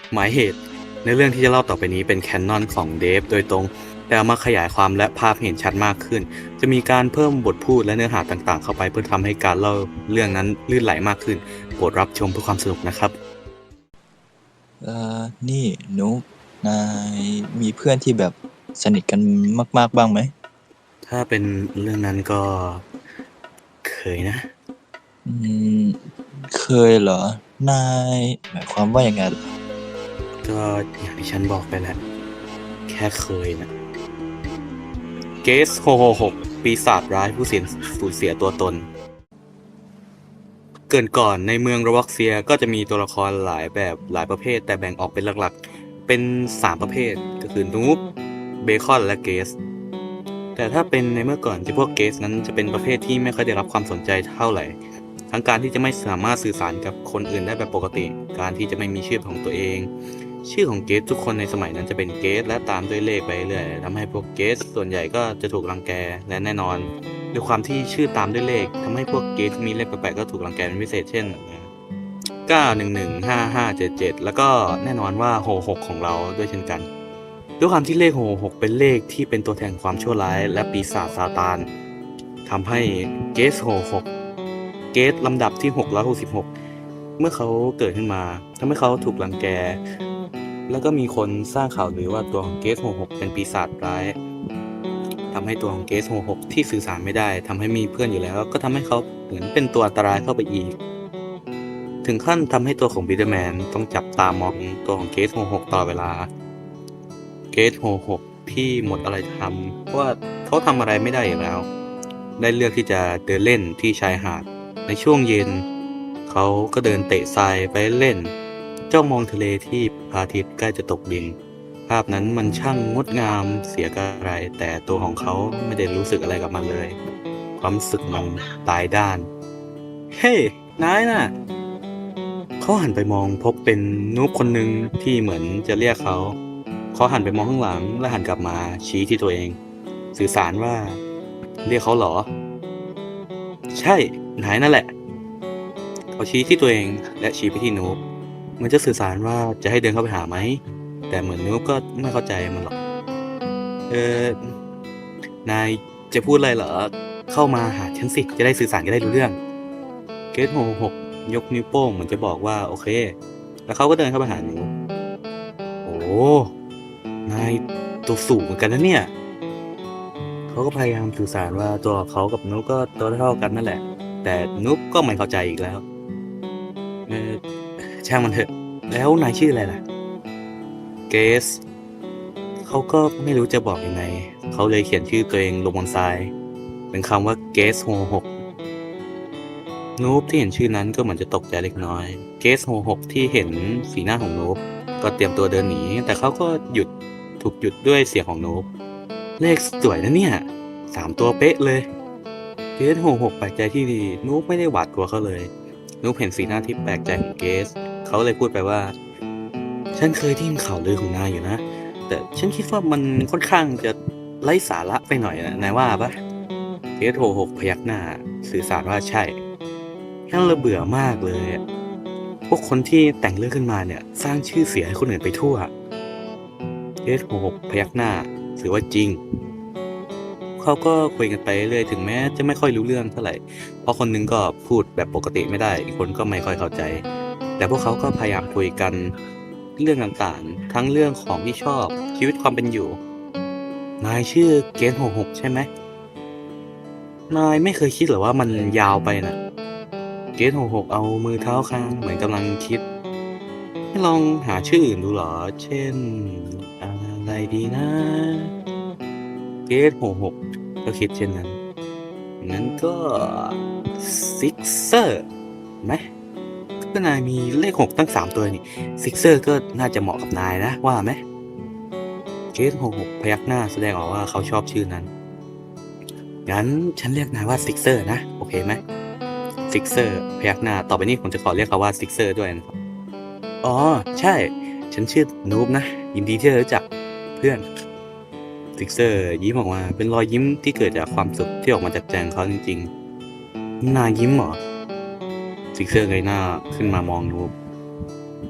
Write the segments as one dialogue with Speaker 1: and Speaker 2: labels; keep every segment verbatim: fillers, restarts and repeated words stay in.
Speaker 1: หมายเหตุในเรื่องที่จะเล่าต่อไปนี้เป็นแคนนอนของเดฟโดยตรงแต่เอามาขยายความและภาพเห็นชัดมากขึ้นจะมีการเพิ่มบทพูดและเนื้อหาต่างๆเข้าไปเพื่อทำให้การเล่าเรื่องนั้นลื่นไหลมากขึ้นโปรดรับชมเพื่อความสนุกนะครับ
Speaker 2: เอ่อนี่นุกนายมีเพื่อนที่แบบสนิทกันมากๆบ้างไหม
Speaker 1: ถ้าเป็นเรื่องนั้นก็เคยนะ
Speaker 2: อืมเคยเหรอ นายหมายความว่ายังไงล่ะ
Speaker 1: ก็อย่างที่ฉันบอกไปแหละแค่เคยนะเกสหกหกหกปีศาจร้ายผู้เสียสูญเสียตัวตน เกริ่นก่อนในเมืองโรบ็อกเซียก็จะมีตัวละครหลายแบบหลายประเภทแต่แบ่งออกเป็นหลักๆเป็นสามประเภทก็คือนูบเบคอนและเกสแต่ถ้าเป็นในเมื่อก่อนที่พวกเกสนั้นจะเป็นประเภทที่ไม่ค่อยได้รับความสนใจเท่าไหร่ทั้งการที่จะไม่สามารถสื่อสารกับคนอื่นได้แบบปกติการที่จะไม่มีชื่อของตัวเองชื่อของเกสทุกคนในสมัยนั้นจะเป็นเกสและตามด้วยเลขไปเรื่อยทำให้พวกเกสส่วนใหญ่ก็จะถูกรังแกและแน่นอนด้วยความที่ชื่อตามด้วยเลขทำให้พวกเกสที่มีเลขแปลกๆก็ถูกรังแกเป็นพิเศษเช่นเก้า หนึ่ง หนึ่ง ห้า ห้า เจ็ด เจ็ดแล้วก็แน่นอนว่าหกหกของเราด้วยเช่นกันด้วยความที่เลขหกหกเป็นเลขที่เป็นตัวแทนความชั่วร้ายและปีศาจซาตานทำให้เกสหกหกเกสลำดับที่หกร้อยหกสิบหกเมื่อเขาเกิดขึ้นมาทำให้เขาถูกรังแกแล้วก็มีคนสร้างข่าวลือว่าตัวของเกสหกหกเป็นปีศาจร้ายทำให้ตัวของเกสหกหกที่สื่อสารไม่ได้ทำให้มีเพื่อนอยู่แล้วก็ทำให้เขาเหมือนเป็นตัวอันตรายเข้าไปอีกถึงขั้นทำให้ตัวของบิเดอร์แมนต้องจับตามองตัวของเกสหกหกตลอดเวลาเกสหกหกที่หมดอะไรทำเพราะว่าเขาทำอะไรไม่ได้อยู่แล้วได้เลือกที่จะเดินเล่นที่ชายหาดในช่วงเย็นเขาก็เดินเตะทรายไปเล่นจ้องมองทะเลที่พระอาทิตย์ใกล้จะตกดินภาพนั้นมันช่างงดงามเสียกระไรแต่ตัวของเขาไม่ได้รู้สึกอะไรกับมันเลยความรู้สึกมันตายด้านเฮ้นายน่ะเขาหันไปมองพบเป็นนูบคนหนึ่งที่เหมือนจะเรียกเขาเขาหันไปมองข้างหลังและหันกลับมาชี้ที่ตัวเองสื่อสารว่าเรียกเขาเหรอใช่นายนั่นแหละเขาชี้ที่ตัวเองและชี้ไปที่นูบเหมันจะสื่อสารว่าจะให้เดินเข้าไปหาไหมแต่เหมือนนูบก็ไม่เข้าใจมันหรอกเออนายจะพูดอะไรเหรอเข้ามาหาฉันสิจะได้สื่อสารกันได้รู้เรื่องเกรทหกหกยกนิ้วโป้งเหมือนจะบอกว่าโอเคแล้วเขาก็เดินเข้าไปหานูบโอ้นายตัวสูงเหมือนกันนะเนี่ยเขาก็พยายามสื่อสารว่าตัวเขากับนุ๊กก็ตัวเท่ากันนั่นแหละแต่นุ๊กก็ไม่เข้าใจอีกแล้วเออช่างมันเถอะแล้วนายชื่ออะไรล่ะเกสเขาก็ไม่รู้จะบอกยังไงเขาเลยเขียนชื่อตัวเองลงบนทรายเป็นคำว่าเกสโฮหกนูบที่เห็นชื่อนั้นก็เหมือนจะตกใจเล็กน้อยเกสโฮหกที่เห็นสีหน้าของนูบก็เตรียมตัวเดินหนีแต่เขาก็หยุดถูกหยุดด้วยเสียงของนูบเลขสวยนะเนี่ยสามตัวเป๊ะเลยเกสโฮหกแปลกใจที่ดีนูบไม่ได้หวาดกลัวเขาเลยนูบเห็นสีหน้าที่แปลกใจของเกสเขาเลยพูดไปว่าฉันเคยได้ยินข่าวลือของนายอยู่นะแต่ฉันคิดว่ามันค่อนข้างจะไร้สาระไปหน่อยนะนายว่าปะเกสโฮหกพยักหน้าสื่อสารว่าใช่ฉันเลยเบื่อมากเลยพวกคนที่แต่งเรื่องขึ้นมาเนี่ยสร้างชื่อเสียงให้คนอื่นไปทั่วเกสโฮหกพยักหน้าสื่อว่าจริงเขาก็คุยกันไปเรื่อยถึงแม้จะไม่ค่อยรู้เรื่องเท่าไหร่เพราะคนหนึงก็พูดแบบปกติไม่ได้อีกคนก็ไม่ค่อยเข้าใจแต่พวกเขาก็พยายามคุยกันเรื่องต่างๆทั้งเรื่องของที่ชอบชีวิตความเป็นอยู่นายชื่อเกสโฮหกใช่ไหมนายไม่เคยคิดเหรอว่ามันยาวไปนะเกสโฮหกเอามือเท้าค้างเหมือนกำลังคิดให้ลองหาชื่ออื่นดูเหรอเช่นอะไรดีนะเกสโฮหกก็คิดเช่นนั้นงั้นก็ซิกเซอร์ไหมก็นายมีเลขหกตั้งสามตัวนี่ซิกเซอร์ก็น่าจะเหมาะกับนายนะว่าไหมเกสหกหกพยักหน้าแสดงออกว่าเขาชอบชื่อนั้นงั้นฉันเรียกนายว่าซิกเซอร์นะโอเคไหมซิกเซอร์พยักหน้าต่อไปนี้ผมจะขอเรียกเขาว่าซิกเซอร์ด้วยนะครับอ๋อใช่ฉันชื่อนูบนะยินดีที่ได้รู้จักเพื่อนซิกเซอร์ยิ้มออกมาเป็นรอยยิ้มที่เกิดจากความสุขที่ออกมาจากใจของเขาจริงๆนายยิ้มเหรอซิกเซอร์เงยหน้าขึ้นมามองนูบ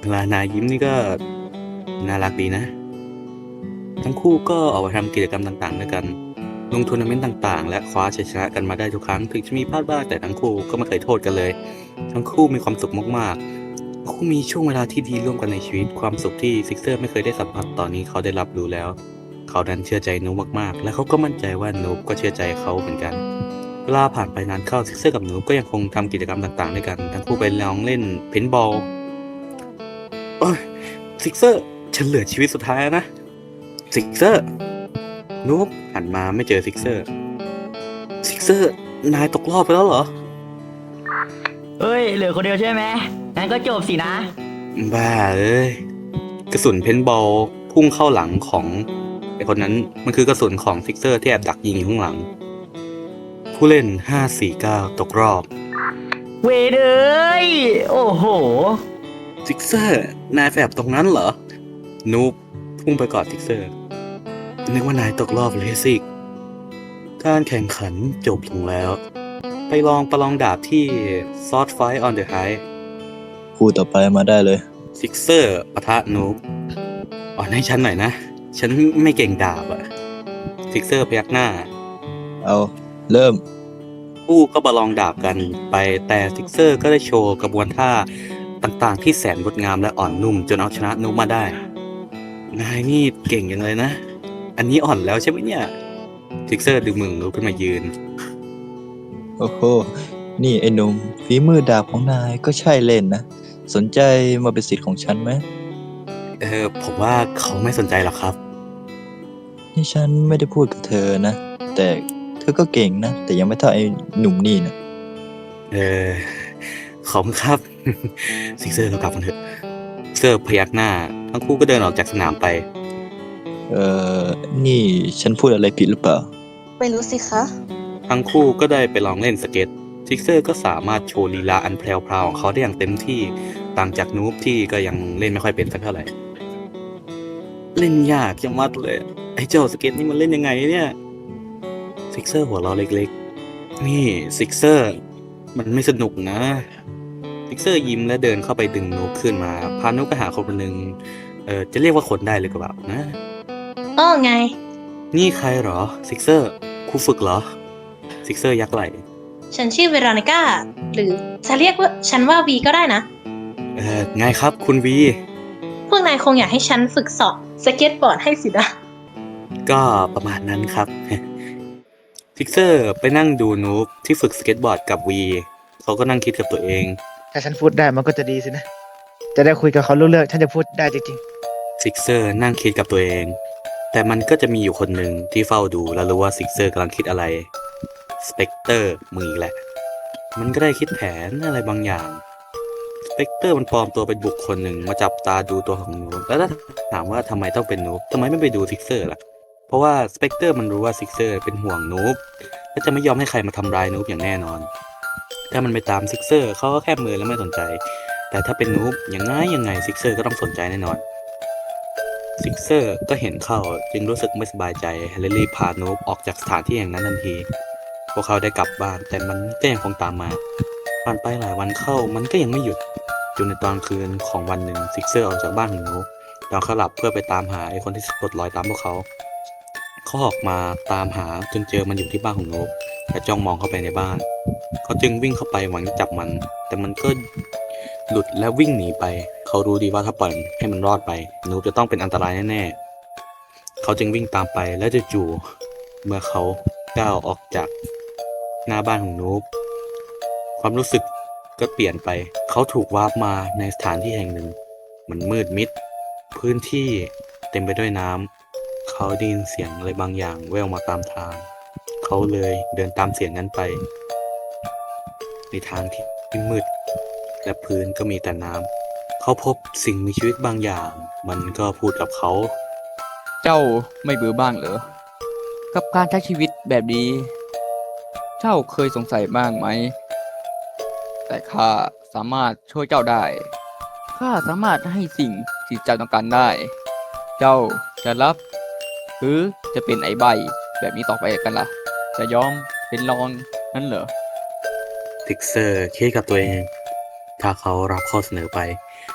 Speaker 1: เวลานายยิ้มนี่ก็น่ารักดีนะ ทั้งคู่ก็ออกไปทำกิจกรรมต่างๆด้วยกันลงทัวร์นาเมนต์ต่างๆ และคว้าชัยชนะกันมาได้ทุกครั้งถึงจะมีพลาดบ้างแต่ทั้งคู่ก็ไม่เคยโทษกันเลย ทั้งคู่มีความสุขมากๆทั้งคู่มีช่วงเวลาที่ดีร่วมกันในชีวิตความสุขที่ซิกเซอร์ไม่เคยได้สัมผัสตอนนี้เขาได้รับรู้แล้ว เขาดันเชื่อใจนูบมากๆ และเขาก็มั่นใจว่านูบก็เชื่อใจเขาเหมือนกัน เวลาผ่านไปนานเข้าซิกเซอร์กับนูบก็ยังคงทำกิจกรรมต่างๆด้วยกันทั้งคู่ไปลองเล่นเพนบอลโอ้ยซิกเซอร์ฉันเหลือชีวิตสุดท้ายแล้วนะซิกเซอร์นูบหันมาไม่เจอซิกเซอร์ซิกเซอร์นายตกรอบไปแล้วเหรอ
Speaker 3: เฮ้ยเหลือคนเดียวใช่ไหมงั้นก็จบสินะ
Speaker 1: บ้าเอ้ยกระสุนเพนบอลพุ่งเข้าหลังของไอคนนั้นมันคือกระสุนของซิกเซอร์ที่แอบดักยิงอยู่ข้างหลัง ผู้เล่นห้า สี่ เก้าตกรอบ
Speaker 3: เวรเอ้ยโอ้โห
Speaker 1: ซิกเซอร์นายแอบตรงนั้นเหรอ นูบพุ่งไปกอดซิกเซอร์นึกว่านายตกรอบเลยสิการแข่งขันจบลงแล้ว ไปลองประลองดาบที่ซอ t ไฟ on the high
Speaker 2: คู่ต่อไปมาได้เลย
Speaker 1: ซิกเซอร์ปะทะนูบอ่อนให้ฉันหน่อยนะ ฉันไม่เก่งดาบอะซิกเซอร์พยักหน้า
Speaker 2: เอาเริ่ม
Speaker 1: คู่ก็ประลองดาบกันไปแต่ซิกเซอร์ก็ได้โชว์กระบวนท่าต่างๆ ที่แสนงดงามและอ่อนนุ่มจนเอาชนะนูบมาได้ นายนี่เก่งอย่างเลยนะ อันนี้อ่อนแล้วใช่ไหมเนี่ยซิกเซอร์ดึงมือนูบขึ้นมายืน
Speaker 2: โอ้โห นี่ไอ้หนุ่มฝีมือดาบของนายก็ใช่เล่นนะ สนใจมาเป็นศิษย์ของฉันไหม
Speaker 1: เออผมว่าเขาไม่สนใจหรอกครับ
Speaker 2: นี่ฉันไม่ได้พูดกับเธอนะ แต่เธอก็เก่งนะ แต่ยังไม่เท่าไอ้หนุ่มนี่นะ
Speaker 1: เออขอบคุณครับ ซิกเซอร์เรากลับกันเถอะซิกเซอร์พยักหน้า ทั้งคู่ก็เดินออกจากสนามไป
Speaker 2: เออนี่ฉันพูดอะไรผิดหรือเปล่า
Speaker 4: ไม่รู้สิคะ
Speaker 1: ทั้งคู่ก็ได้ไปลองเล่นสเก็ตซิกเซอร์ก็สามารถโชว์ลีลาอันแพรวๆของเขาได้อย่างเต็มที่ ต่างจากนูบที่ก็ยังเล่นไม่ค่อยเป็นสักเท่าไหร่ เล่นยากจังมัดเลย ไอ้เจ้าสเก็ตนี่มันเล่นยังไงเนี่ยซิกเซอร์หัวเราะเล็กๆ นี่ซิกเซอร์มันไม่สนุกนะซิกเซอร์ยิ้มและเดินเข้าไปดึงนูบขึ้นมา พานูบไปหาคนคนหนึ่งเออจะเรียกว่าคนได้เลยก็แบบนะ
Speaker 4: อ้อไง
Speaker 1: นี่ใครเหรอซิกเซอร์ครูฝึกเหรอซิกเซอร์ยักไหล่
Speaker 4: ฉันชื่อเวโรนิก้า หรือจะเรียกว่าฉันว่าวีก็ได้นะ
Speaker 1: เออไงครับคุณวี
Speaker 4: พวกนายคงอยากให้ฉันฝึกสอนสเก็ตบอร์ดให้สินะ
Speaker 1: ก็ประมาณนั้นครับ ซิกเซอร์ไปนั่งดูนูบที่ฝึกสเก็ตบอร์ดกับวีเขาก็นั่งคิดกับตัวเอง
Speaker 5: ถ้าฉันพูดได้มันก็จะดีสินะ จะได้คุยกับเขารู้เรื่องฉันจะพูดได้จริง
Speaker 1: ซิกเซอร์นั่งคิดกับตัวเอง แต่มันก็จะมีอยู่คนหนึ่งที่เฝ้าดูและรู้ว่าซิกเซอร์กำลังคิดอะไรสเปกเตอร์มึงอีกแหละ มันก็ได้คิดแผนอะไรบางอย่างสเปกเตอร์มันปลอมตัวเป็นบุคคลหนึ่งมาจับตาดูตัวของนูบแล้วถ้าถามว่าทำไมต้องเป็นนูบทำไมไม่ไปดูซิกเซอร์ล่ะเพราะว่าสเปกเตอร์มันรู้ว่าซิกเซอร์เป็นห่วงนูบและจะไม่ยอมให้ใครมาทำร้ายนูบอย่างแน่นอน ถ้ามันไปตามซิกเซอร์เขาก็แค่มือแล้วไม่สนใจ แต่ถ้าเป็นนูบยังไงยังไงซิกเซอร์ก็ต้องสนใจแน่นอนซิกเซอร์ก็เห็นเข้าจึงรู้สึกไม่สบายใจและรีบพานูบออกจากสถานที่แห่งนั้นทันที พวกเขาได้กลับบ้านแต่มันก็ยังคงตามมาผ่านไปหลายวันเข้ามันก็ยังไม่หยุดจนในตอนคืนของวันหนึ่งซิกเซอร์ออกจากบ้านของนูบตอนเขาหลับเพื่อไปตามหาไอ้คนที่สะกดรอยตามพวกเขาเขาออกมาตามหาจนเจอมันอยู่ที่บ้านของนูบและจ้องมองเข้าไปในบ้านเขาจึงวิ่งเข้าไปหวังจะจับมัน แต่มันก็หลุดและวิ่งหนีไป เขารู้ดีว่าถ้าปล่อยให้มันรอดไปนูบจะต้องเป็นอันตรายแน่ๆเขาจึงวิ่งตามไปและจู่ๆเมื่อเขาก้าวออกจากหน้าบ้านของนูบความรู้สึกก็เปลี่ยนไป เขาถูกวาร์ปมาในสถานที่แห่งหนึ่งมันมืดมิด พื้นที่เต็มไปด้วยน้ำเขาได้ยินเสียงอะไรบางอย่างแว่วมาตามทาง เขาเลยเดินตามเสียงนั้นไปในทางที่มืด และพื้นก็มีแต่น้ำเขาพบสิ่งมีชีวิตบางอย่าง มันก็พูดกับเขา
Speaker 6: เจ้าไม่เบื่อบ้างเหรอ กับการใช้ชีวิตแบบนี้ เจ้าเคยสงสัยบ้างไหม แต่ข้าสามารถช่วยเจ้าได้ ข้าสามารถให้สิ่งที่เจ้าต้องการได้ เจ้าจะรับ หรือจะเป็นไอ้ใบแบบนี้ต่อไปกันล่ะ จะยอมเป็นรองนั่นเหรอ
Speaker 1: ซิกเซอร์คิดกับตัวเอง ถ้าเขารับข้อเสนอไป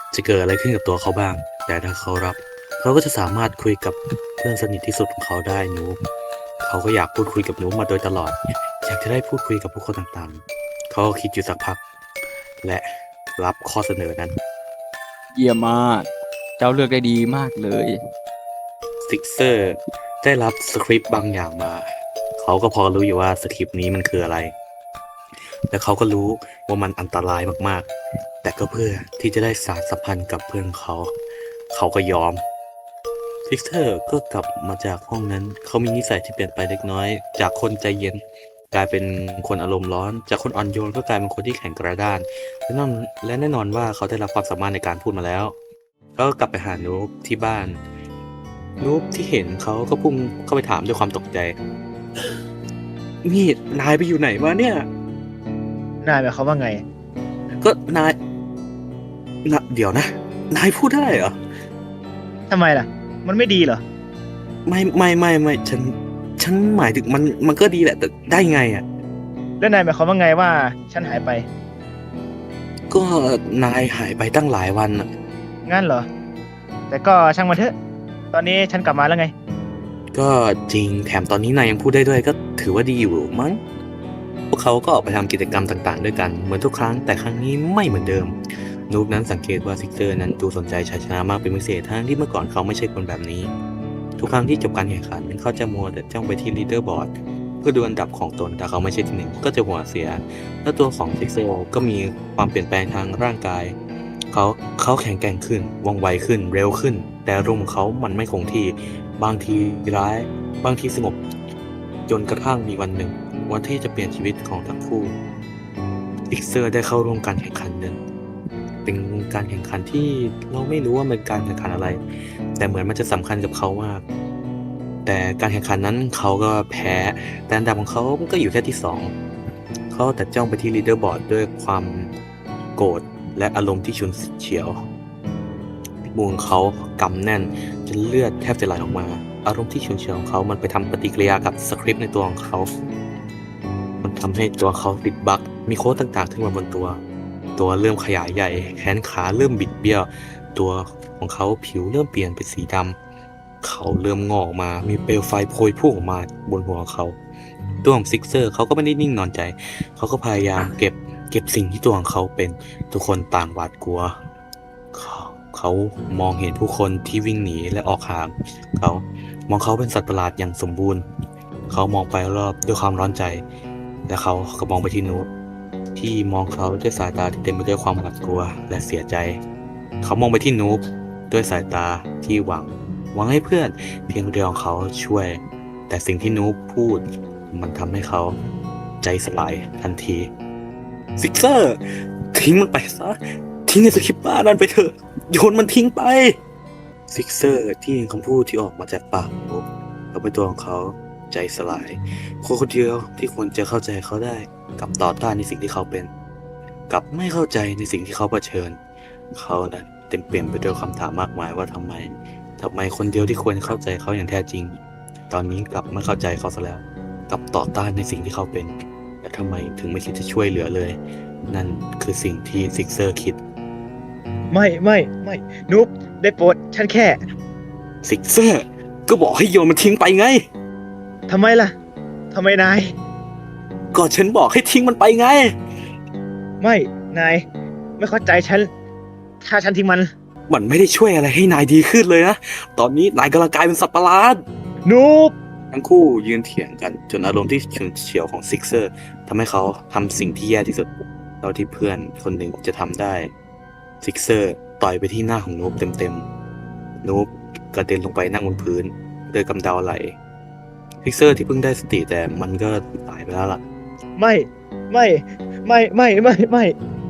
Speaker 1: จะเกิดอะไรขึ้นกับตัวเขาบ้าง แต่ถ้าเขารับ เขาก็จะสามารถคุยกับเพื่อนสนิทที่สุดของเขาได้นูบเขาก็อยากพูดคุยกับนูบมาโดยตลอด อยากจะได้พูดคุยกับผู้คนต่างๆ เขาก็คิดอยู่สักพัก และรับข้อเสนอนั้น
Speaker 6: เยี่ยมมาก เจ้าเลือกได้ดีมากเลย
Speaker 1: ซิกเซอร์ได้รับสคริปต์บางอย่างมา เขาก็พอรู้อยู่ว่าสคริปต์นี้มันคืออะไร และเขาก็รู้ว่ามันอันตรายมากๆ แต่ก็เพื่อที่จะได้สานสัมพันธ์กับเพื่อนเขา เขาก็ยอม ซิกเซอร์ก็กลับมาจากห้องนั้น เขามีนิสัยที่เปลี่ยนไปเล็กน้อย จากคนใจเย็น กลายเป็นคนอารมณ์ร้อน จากคนอ่อนโยนก็กลายเป็นคนที่แข็งกระด้าน และแน่นอนและแน่นอนว่าเขาได้รับความสามารถในการพูดมาแล้ว ก็กลับไปหานูบที่บ้าน นูบที่เห็นเขาก็พุ่งเข้าไปถามด้วยความตกใจ นี่นายไปอยู่ไหนมาเนี่ย
Speaker 5: นายหมายความว่าไง
Speaker 1: ก็นายนะเดี๋ยวนะ นายพูดได้เหรอ
Speaker 5: ทำไมล่ะ มันไม่ดีเหรอ
Speaker 1: ไม่ไม่ไม่ไม่ฉัน ฉันหมายถึงมันมันก็ดีแหละ แต่ได้ไงอ่ะ
Speaker 5: แล้วนายหมายความว่าไงว่าฉันหายไป
Speaker 1: ก็นายหายไปตั้งหลายวันอ่ะ
Speaker 5: งั้นเหรอ แต่ก็ช่างมันเถอะ ตอนนี้ฉันกลับมาแล้วไง
Speaker 1: ก็จริงแถมตอนนี้นายยังพูดได้ด้วยก็ถือว่าดีอยู่มั้ง พวกเขาก็ออกไปทำกิจกรรมต่างๆ ด้วยกันเหมือนทุกครั้งแต่ครั้งนี้ไม่เหมือนเดิม นูบนั้นสังเกตว่าซิกเซอร์นั้นดูสนใจชัยชนะมากเป็นพิเศษทั้งที่เมื่อก่อนเขาไม่ใช่คนแบบนี้ ทุกครั้งที่จบการแข่งขันเขาจะมัวแต่จ้องไปที่ลีดเดอร์บอร์ดเพื่อดูอันดับของตนแต่เขาไม่ใช่ที่หนึ่งก็จะหัวเสีย และตัวของซิกเซอร์ก็มีความเปลี่ยนแปลงทางร่างกาย เขาเขาแข็งแกร่งขึ้นว่องไวขึ้นเร็วขึ้น แต่อารมณ์ของเขามันไม่คงที่บางทีร้าย บางทีสงบจนกระทั่งมีวันหนึ่ง วันที่จะเปลี่ยนชีวิตของทั้งคู่ซิกเซอร์ได้เข้าร่วมการแข่งขันหนึ่งเป็นการแข่งขันที่เราไม่รู้ว่าเป็นการแข่งขันอะไร แต่เหมือนมันจะสำคัญกับเขามาก แต่การแข่งขันนั้นเขาก็แพ้แต่อันดับของเขาก็อยู่แค่ที่สองเขาแต่จ้องไปที่ลีดเดอร์บอร์ดด้วยความโกรธและอารมณ์ที่ฉุนเฉียวมือของเขากำแน่นจนเลือดแทบจะไหลออกมา อารมณ์ที่ฉุนเฉียวของเขามันไปทำปฏิกิริยากับสคริปต์ในตัวของเขา มันทำให้ตัวเขาติดบั๊กมีโค้ดต่างๆขึ้นมาบนตัว ตัวเริ่มขยายใหญ่ แขนขาเริ่มบิดเบี้ยว ตัวของเขาผิวเริ่มเปลี่ยนเป็นสีดำเขาเริ่มงอกมา มีเปลวไฟโพยพุ่งออกมาบนหัวเขา ตัวของซิกเซอร์เขาก็ไม่ได้นิ่งนอนใจ เขาก็พยายามเก็บเก็บสิ่งที่ตัวของเขาเป็น ทุกคนต่างหวาดกลัว เขาเขามองเห็นผู้คนที่วิ่งหนีและออกห่าง เขามองเขาเป็นสัตว์ประหลาดอย่างสมบูรณ์ เขามองไปรอบด้วยความร้อนใจ และเขาก็มองไปที่นูบที่มองเขาด้วยสายตาที่เต็มไปด้วยความหวาดกลัวและเสียใจ เขามองไปที่นูบด้วยสายตาที่หวัง หวังให้เพื่อนเพียงเดียวของเขาช่วย แต่สิ่งที่นูบพูดมันทำให้เขาใจสลายทันทีซิกเซอร์ทิ้งมันไปซะทิ้งไอ้สคริปต์บ้านั่นไปเถอะโยนมันทิ้งไปซิกเซอร์ที่ยินคำพูดที่ออกมาจากปากนูบแล้วเป็นตัวของเขาใจสลายคนคนเดียวที่ควรจะเข้าใจเขาได้กลับต่อต้านในสิ่งที่เขาเป็นกลับไม่เข้าใจในสิ่งที่เขาเผชิญเขานั้นเต็มเปี่ยมไปด้วยคำถามมากมายว่าทำไมทำไมคนเดียวที่ควรเข้าใจเขาอย่างแท้จริงตอนนี้กลับไม่เข้าใจเขาซะแล้วกลับต่อต้านในสิ่งที่เขาเป็นและทำไมถึงไม่คิดจะช่วยเหลือเลย นั่นคือสิ่งที่ซิกเซอร์คิด
Speaker 5: ไม่ไม่ไม่นุ๊บได้โปรดฉันแค่
Speaker 1: ซิกเซอร์ก็บอกให้โยนมันทิ้งไปไง
Speaker 5: ทำไมล่ะทำไมนาย
Speaker 1: ก็ฉันบอกให้ทิ้งมันไปไง
Speaker 5: ไม่ นาย ไม่เข้าใจฉัน ถ้าฉันทิ้งมัน
Speaker 1: มันไม่ได้ช่วยอะไรให้นายดีขึ้นเลยนะ ตอนนี้นายกำลังกลายเป็นสัตว์ประหลาด
Speaker 5: นุ๊บ
Speaker 1: ทั้งคู่ยืนเถียงกันจนอารมณ์ที่ฉุนเฉียวของซิกเซอร์ทำให้เขาทำสิ่งที่แย่ที่สุดเท่าที่เพื่อนคนหนึ่งจะทำได้ซิกเซอร์ต่อยไปที่หน้าของนูบเต็มๆนูบกระเด็นลงไปนั่งบนพื้นโดยกำเดาไหลซิกเซอร์ที่เพิ่งได้สติแต่มันก็ตายไปแล้วล่ะ
Speaker 5: ไม่ ไม่ ไม่ ไม่ ไม่ ไม่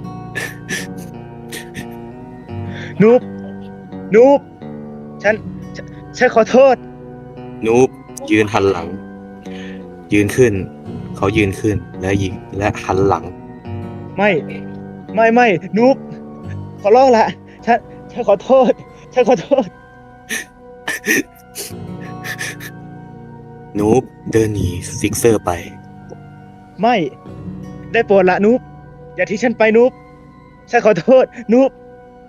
Speaker 5: นุ๊บ นุ๊บ ฉัน ฉันฉันขอโทษ
Speaker 1: นูบยืนหันหลัง ยืนขึ้น เขายืนขึ้นและยิงและหันหลัง
Speaker 5: ไม่ ไม่ ไม่ นุ๊บ ขอร้องละ ฉัน ฉันขอโทษ ฉันขอโทษ
Speaker 1: นูบเดินหนีซิกเซอร์ไป
Speaker 5: ไม่ ได้โปรดละนุ๊บ อย่าทิ้งฉันไปนุ๊บ ฉันขอโทษ นุ๊บ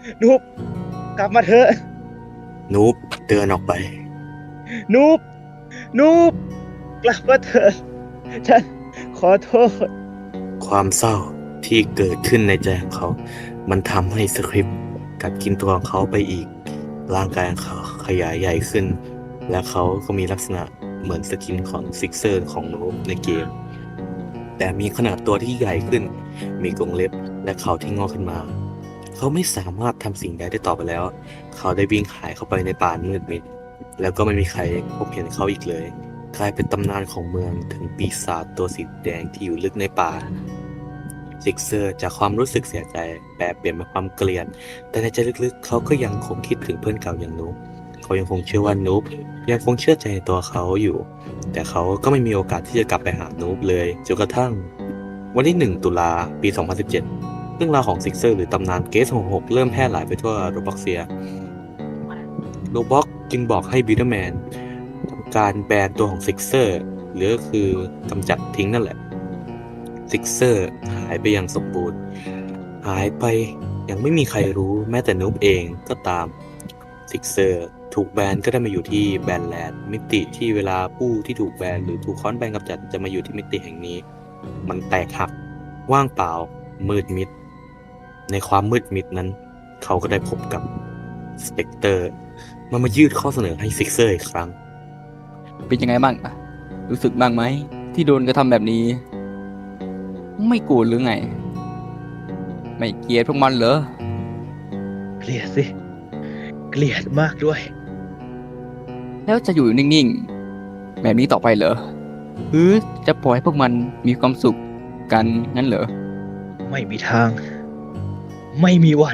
Speaker 5: นูบกลับมาเถอะ
Speaker 1: นูบเดินออกไป
Speaker 5: นูบนูบกลับมาเถอะฉันขอโทษ
Speaker 1: ความเศร้าที่เกิดขึ้นในใจของเขา มันทำให้สคริปต์กัดกินตัวของเขาไปอีก ร่างกายของเขาขยายใหญ่ขึ้น และเขาก็มีลักษณะเหมือนสกินของซิกเซอร์ของนูบในเกม แต่มีขนาดตัวที่ใหญ่ขึ้น มีกรงเล็บและเขาที่งอกขึ้นมา เขาไม่สามารถทำสิ่งใดได้ต่อไปแล้ว เขาได้วิ่งหายเข้าไปในป่ามืดมิด แล้วก็ไม่มีใครพบเห็นเขาอีกเลย กลายเป็นตำนานของเมืองถึงปีศาจตัวสีแดงที่อยู่ลึกในป่า ซิกเซอร์จากความรู้สึกเสียใจแปลเปลี่ยนเป็นความเกลียด แต่ในใจลึกๆ เขาก็ยังคงคิดถึงเพื่อนเก่าอย่างนูบเขายังคงเชื่อว่านูบยังคงเชื่อใจในตัวเขาอยู่ แต่เขาก็ไม่มีโอกาสที่จะกลับไปหานูบเลยจนกระทั่ง วันที่หนึ่งตุลาปี สองพันสิบเจ็ด เรื่องราวของซิกเซอร์หรือตำนานเกสหกหกเริ่มแพร่หลายไปทั่วโรบ็อกเซียโรบ็อกจึงบอกให้บิลเดอร์แมนทำการแบนตัวของซิกเซอร์หรือก็คือกำจัดทิ้งนั่นแหละซิกเซอร์หายไปอย่างสมบูรณ์ หายไปยังไม่มีใครรู้แม้แต่นูบเองก็ตามซิกเซอร์ถูกแบนก็ได้มาอยู่ที่แบนแลนด์มิติที่เวลาผู้ที่ถูกแบนหรือถูกค้อนแบนกำจัดจะมาอยู่ที่มิติแห่งนี้ มันแตกหักว่างเปล่ามืดมิด ในความมืดมิดนั้น เขาก็ได้พบกับสเปกเตอร์มันมายืดข้อเสนอให้ซิกเซอร์อีกครั้ง
Speaker 6: เป็นยังไงบ้างอะรู้สึกบ้างไหมที่โดนกระทำแบบนี้ ไม่โกรธหรือไง ไม่เกลียดพวกมันเหรอ
Speaker 5: เกลียดสิ เกลียดมากด้วย
Speaker 6: แล้วจะอยู่นิ่งๆ แบบนี้ต่อไปเหรอหรือจะปล่อยให้พวกมันมีความสุขกันงั้นเหรอ
Speaker 5: ไม่มีทาง ไม่มีวัน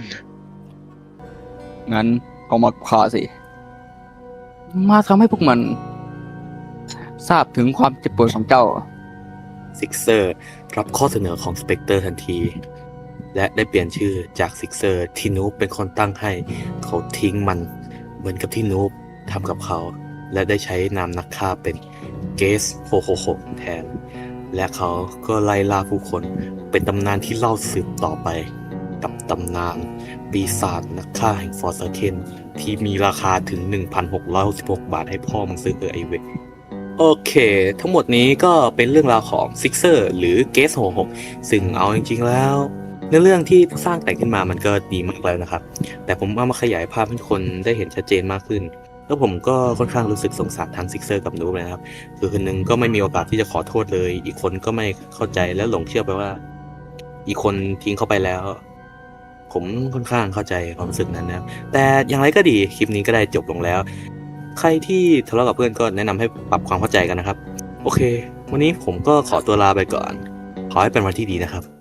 Speaker 6: งั้นเอามาฆ่าสิ มาทำให้พวกมัน ทราบถึงความเจ็บปวดของเจ้า
Speaker 1: ซิกเซอร์รับข้อเสนอของสเปกเตอร์ทันที และได้เปลี่ยนชื่อจากซิกเซอร์ที่นูบเป็นคนตั้งให้ เขาทิ้งมันเหมือนกับที่นูบทำกับเขา และได้ใช้นามนักฆ่าเป็นเกสหกหกหกแทน และเขาก็ไล่ล่าผู้คนเป็นตำนานที่เล่าสืบต่อไป กับตำนานปีศาจนักฆ่าแห่งฟอร์ซาเคนที่มีราคาถึง หนึ่งพันหกร้อยหกสิบหก บาทให้พ่อมึงซื้อเออไอเวก โอเค ทั้งหมดนี้ก็เป็นเรื่องราวของซิกเซอร์หรือเกสหกหกซึ่งเอาจริงๆแล้วเนื้อเรื่องที่สร้างแต่งขึ้นมามันก็ดีมากแล้วนะครับ แต่ผมเอามาขยายภาพให้ทุกคนได้เห็นชัดเจนมากขึ้น แล้วผมก็ค่อนข้างรู้สึกสงสารทั้งซิกเซอร์กับนูบเลยนะครับ คือคนหนึงก็ไม่มีโอกาสที่จะขอโทษเลย อีกคนก็ไม่เข้าใจและหลงเชื่อไปว่า อีกคนทิ้งเขาไปแล้ว ผมค่อนข้างเข้าใจความรู้สึกนั้นนะครับ แต่อย่างไรก็ดีคลิปนี้ก็ได้จบลงแล้ว ใครที่ทะเลาะกับเพื่อนก็แนะนำให้ปรับความเข้าใจกันนะครับ โอเค วันนี้ผมก็ขอตัวลาไปก่อน ขอให้เป็นวันที่ดีนะครับ